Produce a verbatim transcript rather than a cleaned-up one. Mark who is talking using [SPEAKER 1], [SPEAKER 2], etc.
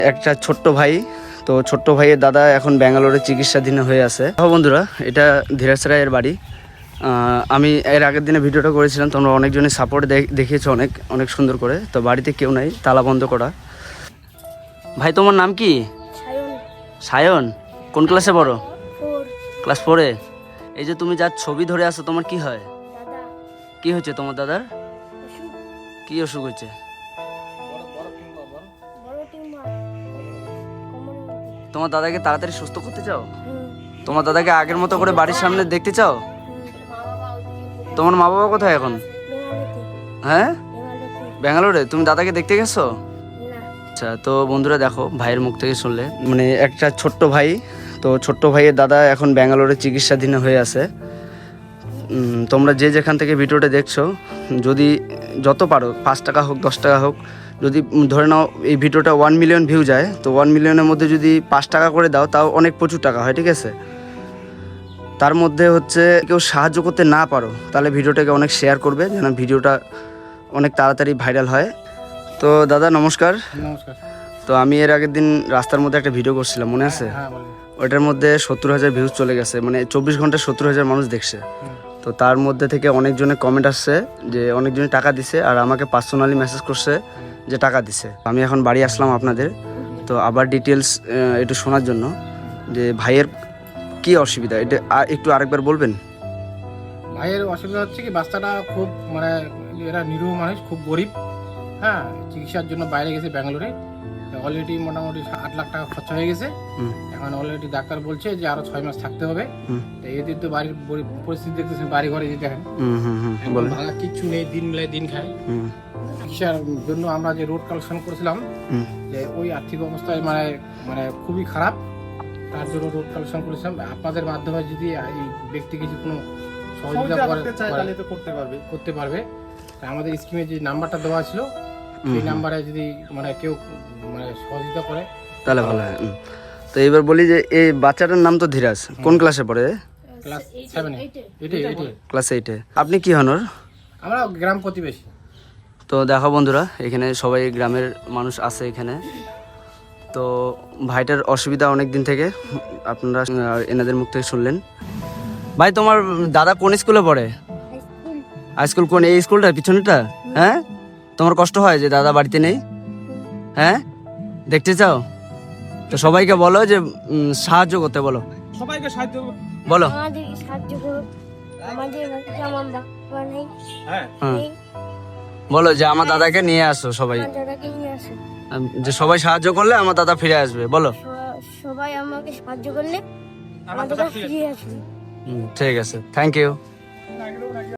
[SPEAKER 1] একটা ছোট্ট ভাই, তো ছোট্ট ভাইয়ের দাদা এখন ব্যাঙ্গালোরে চিকিৎসাধীন হয়ে আছে। বন্ধুরা, এটা ধীরাজ রায়ের বাড়ি। আমি এর আগের দিনে ভিডিওটা করেছিলাম, তোমরা অনেকজনের সাপোর্ট দেখিয়েছো অনেক অনেক সুন্দর করে। তো বাড়িতে কেউ নাই, তালা বন্ধ করা। ভাই তোমার নাম কি? সায়ন। কোন ক্লাসে পড়ো? ক্লাস ফোরে। এই যে তুমি যার ছবি ধরে আছো, তোমার কি হয়? কি হয়েছে তোমার দাদার? কি অসুখ হয়েছে? তোমার দাদাকে তাড়াতাড়ি সুস্থ করতে চাও? তোমার দাদাকে আগের মতো করে বাড়ির সামনে দেখতে চাও? তোমার মা বাবা কোথায় এখন? হ্যাঁ, ব্যাঙ্গালোরে। তুমি দাদাকে দেখতে গেছো? আচ্ছা, তো বন্ধুরা দেখো, ভাইয়ের মুখ থেকে শুনলে, মানে একটা ছোট্ট ভাই, তো ছোট্ট ভাইয়ের দাদা এখন ব্যাঙ্গালোরে চিকিৎসাধীন হয়ে আছে। তোমরা যে যেখান থেকে ভিডিওটা দেখছো, যদি যত পারো, পাঁচ টাকা হোক দশ টাকা হোক, যদি ধরে নাও এই ভিডিওটা ওয়ান মিলিয়ন ভিউ যায়, তো ওয়ান মিলিয়নের মধ্যে যদি পাঁচ টাকা করে দাও, তাও অনেক প্রচুর টাকা হয়, ঠিক আছে? তার মধ্যে হচ্ছে কেউ সাহায্য করতে না পারো, তাহলে ভিডিওটাকে অনেক শেয়ার করবে, যেন ভিডিওটা অনেক তাড়াতাড়ি ভাইরাল হয়। তো দাদা নমস্কার।
[SPEAKER 2] নমস্কার।
[SPEAKER 1] তো আমি এর আগের দিন রাস্তার মধ্যে একটা ভিডিও করছিলাম, মনে আছে? ওইটার মধ্যে সত্তর হাজার ভিউজ চলে গেছে, মানে চব্বিশ ঘন্টায় সত্তর হাজার মানুষ দেখছে। তো তার মধ্যে থেকে অনেকজনের কমেন্ট আসছে যে অনেকজনে টাকা দিছে, আর আমাকে পার্সোনালি মেসেজ করছে যে টাকা দিছে। আমি এখন বাড়ি আসলাম আপনাদের, তো আবার ডিটেলস একটু শোনার জন্য, যে ভাইয়ের কি অসুবিধা, এটা একটু আরেকবার বলবেন?
[SPEAKER 2] ভাইয়ের অসুবিধা হচ্ছে কি, বাচ্চাটা খুব মানে এরা নিরীহ মানুষ, খুব গরিব। হ্যাঁ, চিকিৎসার জন্য বাইরে গেছে ব্যাঙ্গালোরে। অলরেডি মোটামুটি আট লাখ টাকা খরচা হয়ে গেছে। এখন অলরেডি ডাক্তার বলছে যে আরো ছয় মাস থাকতে হবে। তো এদের তো বাড়ির পরিস্থিতি দেখতেছেন, বাড়ি ঘরে যে দেখেন ভাঙা কিচ্ছু নেই, দিন মিলাই দিন খায়। চিকিৎসার জন্য আমরা যে রোড কালেকশন করেছিলাম, যে ওই আর্থিক অবস্থায় মানে মানে খুবই খারাপ, তার জন্য রোড কালেকশন করেছিলাম। আপনাদের মাধ্যমে যদি এই ব্যক্তিকে যদি কোনো সহযোগিতা করতে পারবে করতে পারবে আমাদের স্কিমে যে নাম্বারটা দেওয়া ছিল, সেই নাম্বারে যদি মানে কেউ মানে সহযোগিতা করে
[SPEAKER 1] তাহলে ভালো হয়। তো এবার বলি যে এই বাচ্চাটার নাম তো ধীরাজ, কোন ক্লাসে পড়ে?
[SPEAKER 2] ক্লাস সেভেনে।
[SPEAKER 1] ক্লাস এইটে। আপনি কি হন ওর?
[SPEAKER 2] আমরা গ্রাম প্রতিবেশী।
[SPEAKER 1] তো দেখো বন্ধুরা, এখানে সবাই গ্রামের মানুষ আছে এখানে। তো ভাইটার অসুবিধা অনেক দিন থেকে, আপনারা এনাদের মুখ থেকে শুনলেন। ভাই তোমার দাদা কোন স্কুলে পড়ে? High school. কোন এই স্কুলটা পিছনেটা? হ্যাঁ, তোমার কষ্ট হয় যে দাদা বাড়িতে নেই? হ্যাঁ, দেখতে চাও? তো সবাইকে বলো যে সাহায্য করতে বলো, সবাইকে সাহায্য বলো।
[SPEAKER 3] আমাদেরকে সাহায্য করো, আমাদের আমার বাবা নেই।
[SPEAKER 1] হ্যাঁ, বলো যে আমার দাদাকে নিয়ে আসো, সবাই
[SPEAKER 3] আমার দাদাকে নিয়ে আসো,
[SPEAKER 1] যে সবাই সাহায্য করলে আমার দাদা ফিরে আসবে, বলো।
[SPEAKER 3] সবাই আমাকে সাহায্য করলে আমার দাদা ফিরে আসবে।
[SPEAKER 1] ঠিক আছে, থ্যাংক ইউ।